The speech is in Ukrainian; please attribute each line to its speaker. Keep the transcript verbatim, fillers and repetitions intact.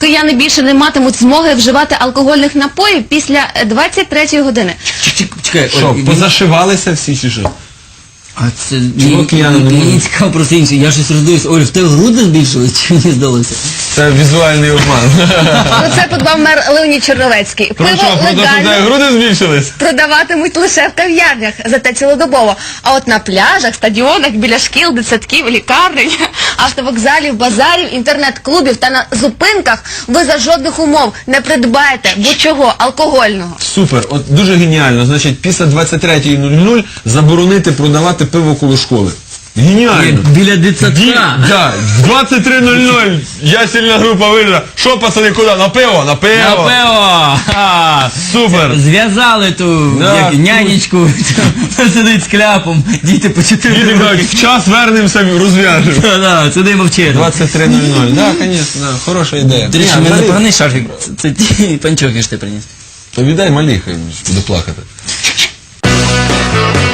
Speaker 1: кияни більше не матимуть змоги вживати алкогольних напоїв після двадцять третьої години.
Speaker 2: Чекай,
Speaker 3: Що, позашивалися всі чи що?
Speaker 2: а це
Speaker 3: Чого
Speaker 2: мені,
Speaker 3: кияни не
Speaker 2: мені
Speaker 3: можуть?
Speaker 2: цікаво просто інше. Я щось роздивився. Оль, в тебе груди збільшились, чи мені здалося?
Speaker 3: Це візуальний обман.
Speaker 1: Про це подбав мер Леонід Черновецький.
Speaker 3: Про
Speaker 1: Пиво
Speaker 3: що, про те, що в тебе
Speaker 1: легально
Speaker 3: груди збільшились?
Speaker 1: продаватимуть лише в кав'ярнях, зате цілодобово. А от на пляжах, стадіонах, біля шкіл, дитсадків, лікарень, автовокзалів, базарів, інтернет-клубів та на зупинках ви за жодних умов не придбаєте будь-чого алкогольного.
Speaker 3: Супер, от дуже геніально. Значить, після двадцять третьої нуль нуль заборонити продавати пиво коло школи. Геніально.
Speaker 2: Біля
Speaker 3: Ді-
Speaker 2: дитсадка.
Speaker 3: Да, двадцять три нуль нуль, я сильна група вижила. Що, пацани, куди? На пиво? На пиво.
Speaker 2: На пиво! Ха!
Speaker 3: Супер.
Speaker 2: Зв'язали ту
Speaker 3: Да,
Speaker 2: як,
Speaker 3: тут.
Speaker 2: нянечку, вона сидить з кляпом, діти по чотири
Speaker 3: Діти кажуть,
Speaker 2: роки.
Speaker 3: в час вернемося, розв'яжемо.
Speaker 2: Да, да, сидимо вчити.
Speaker 3: двадцять три нуль нуль, да, звісно, да, хороша ідея.
Speaker 2: До речі,
Speaker 3: Ні,
Speaker 2: в мене
Speaker 3: взагалі,
Speaker 2: поганий шарфік. Це, це ті панчохи, що ти приніс.
Speaker 3: то віддай малій, хай буде плакати.